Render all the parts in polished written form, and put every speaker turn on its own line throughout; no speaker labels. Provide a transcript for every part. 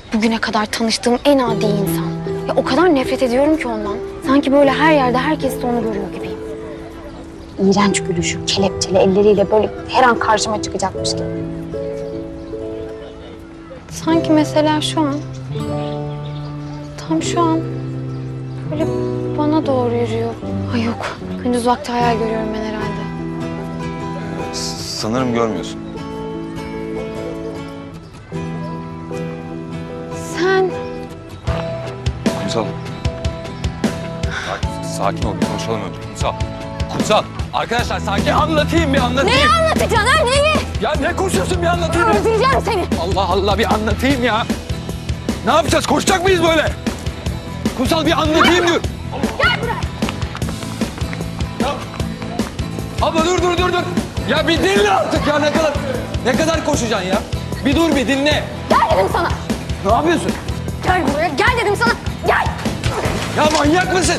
Bugüne kadar tanıştığım en adi insan. Ya o kadar nefret ediyorum ki ondan. Sanki böyle her yerde herkes de onu görüyor gibiyim. İğrenç gülüşü, kelepçeli elleriyle böyle her an karşıma çıkacakmış gibi. Sanki mesela şu an, tam şu an böyle bana doğru yürüyor. Ay yok, gündüz vakti hayal görüyorum ben herhalde.
Sanırım görmüyorsun.
Sen
Kumsal. Sakin ol, bir konuşalım önce. Kumsal. Kumsal. Arkadaşlar sakin. Anlatayım.
neyi anlatacaksın ha, neyi?
Ya ne koşuyorsun, bir anlatayım.
Öldüreceğim seni.
Allah Allah, bir anlatayım ya. Ne yapacağız? Koşacak mıyız böyle? Kumsal, bir anlatayım diyor.
Gel buraya.
Ya. Abla dur. Ya bir dinle artık ya, ne kadar koşacaksın ya? Bir dur, bir dinle.
Gel dedim sana.
Ne yapıyorsun?
Gel buraya, gel dedim sana. Gel.
Ya manyak mısın?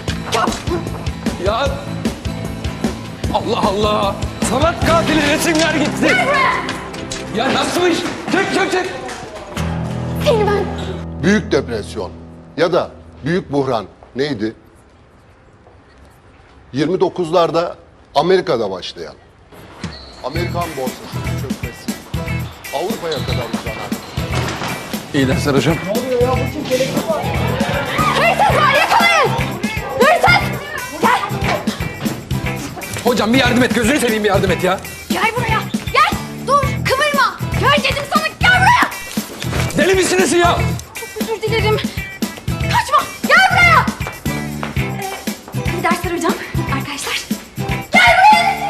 Ya Allah Allah. Sanat katili, resimler gitti.
Gel buraya.
Ya nasılmış? Çek.
Seni ben.
Büyük depresyon ya da büyük buhran neydi? 29'larda Amerika'da başlayan Amerikan borsasının çökmesi Avrupa'ya kadar uzanan.
İyi dersler hocam.
Hırsız var, yakalayın. Hırsız. Gel.
Hocam bir yardım et, gözünü seveyim, bir yardım et ya.
Gel buraya. Gel. Dur, kıvırma. Gel dedim sana, gel buraya.
Deli misiniz ya?
Çok özür dilerim. Kaçma. Gel buraya. İyi dersler hocam. Arkadaşlar. Gel buraya.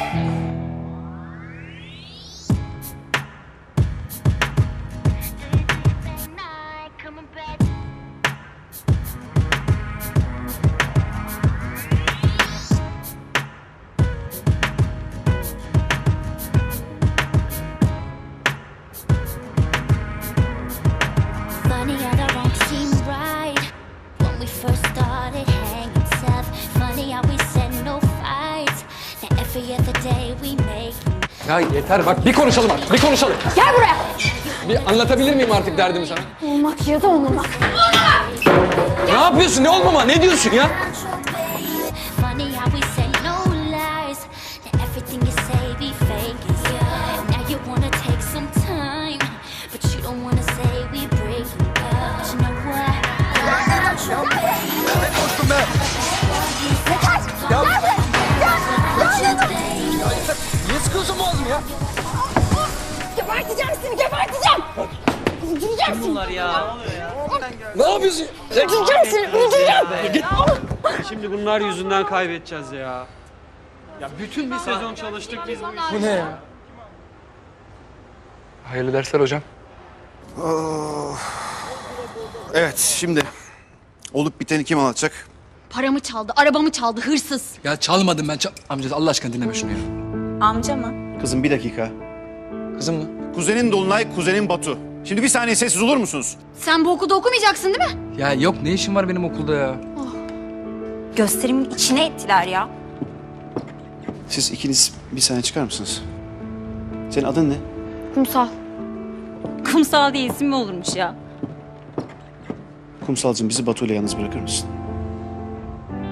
Funny how the wrong seemed right when we first started hanging tough. Funny how we said no fights. Now every other day we make.
Ya yeter bak, bir konuşalım artık, bir konuşalım.
Gel buraya.
Bir anlatabilir miyim artık derdimi sana?
Olmak ya da olmamak.
Ne yapıyorsun, ne olmama, ne diyorsun ya?
Funny how we say no lies. Now everything you say be fake. Now you wanna take some time, but you don't wanna say we breaking up. But you know what?
Ne koştun be? Niye sıkıyorsun boğazımı ya?
Geberteceğim seni, geberteceğim. Öldüreceğim seni.
Bunlar ya.
Ne yapıyorsun?
Öldüreceğim seni, öldüreceğim.
Git.
Şimdi bunlar yüzünden kaybedeceğiz ya. Ya bütün bir sezon çalıştık biz bu işi.
Bu ne ya? Hayırlı dersler hocam.
Evet, şimdi olup biteni kim anlatacak?
Paramı çaldı, arabamı çaldı, hırsız.
Ya çalmadım ben. Amca Allah aşkına dinleme şunu ya.
Amca mı?
Kızım bir dakika.
Kızım mı?
Kuzenin Dolunay, kuzenin Batu. Şimdi bir saniye sessiz olur musunuz?
Sen bu okulda okumayacaksın değil mi?
Ya yok, ne işin var benim okulda ya?
Gösterimin içine ettiler ya.
Siz ikiniz bir saniye çıkar mısınız? Senin adın ne?
Kumsal.
Kumsal diye isim mi olurmuş ya?
Kumsalcığım, bizi Batu ile yalnız bırakır mısın?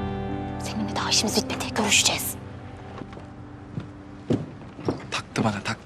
Seninle daha işimiz bitmedi, görüşeceğiz.
Taktı bana, taktı.